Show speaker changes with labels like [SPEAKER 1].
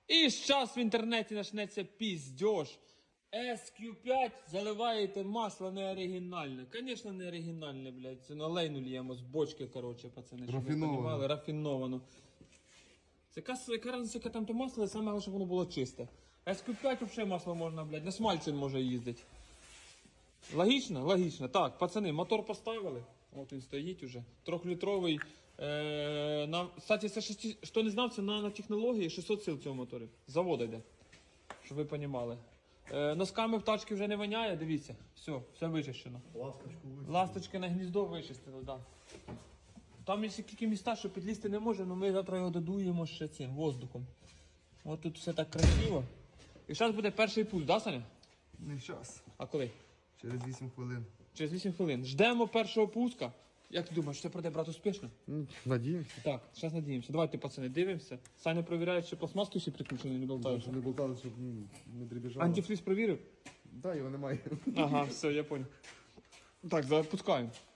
[SPEAKER 1] І зараз в інтернеті почнеться піздьош. SQ5 заливаєте масло не оригінальне. Звісно, не оригінальне, блядь. Це олейну ліємо з бочки, коротше, пацани. Щоб ви розуміли, рафіновано. Це яка разниця, яке там то масло, саме головне, щоб воно було чисте. SQ5 взагалі масло можна, блядь, на смальцин може їздити. Логічно? Логічно. Так, пацани, мотор поставили. От він стоїть уже. 3-літровий. Кстати, це що не знав, це на технології 600 сил цього моторі. З заводу йде. Щоб ви розуміли. Носками в тачки вже не воняє, дивіться. Все вичищено. Ласточки на гніздо вичистили, так. Да. Там є тільки міста, що підлізти не може, але ми завтра його додуємо ще цим воздухом. От тут все так красиво. І зараз буде перший пульс, да, Саня?
[SPEAKER 2] Не зараз.
[SPEAKER 1] А коли?
[SPEAKER 2] Через 8 хвилин.
[SPEAKER 1] Через 8 хвилин. Ждемо першого пуска. Як ти думаєш, це пройде, брат, успішно?
[SPEAKER 2] Надіємося.
[SPEAKER 1] Так, зараз надіємося. Давайте, пацани, дивимося. Саня перевіряє, чи пластмаски всі підключені, не болтають.
[SPEAKER 2] Щоб не болтали, щоб не дрібіжало.
[SPEAKER 1] Антифриз провірив?
[SPEAKER 2] Да, його немає.
[SPEAKER 1] Ага, все, я понял. Так, запускаємо.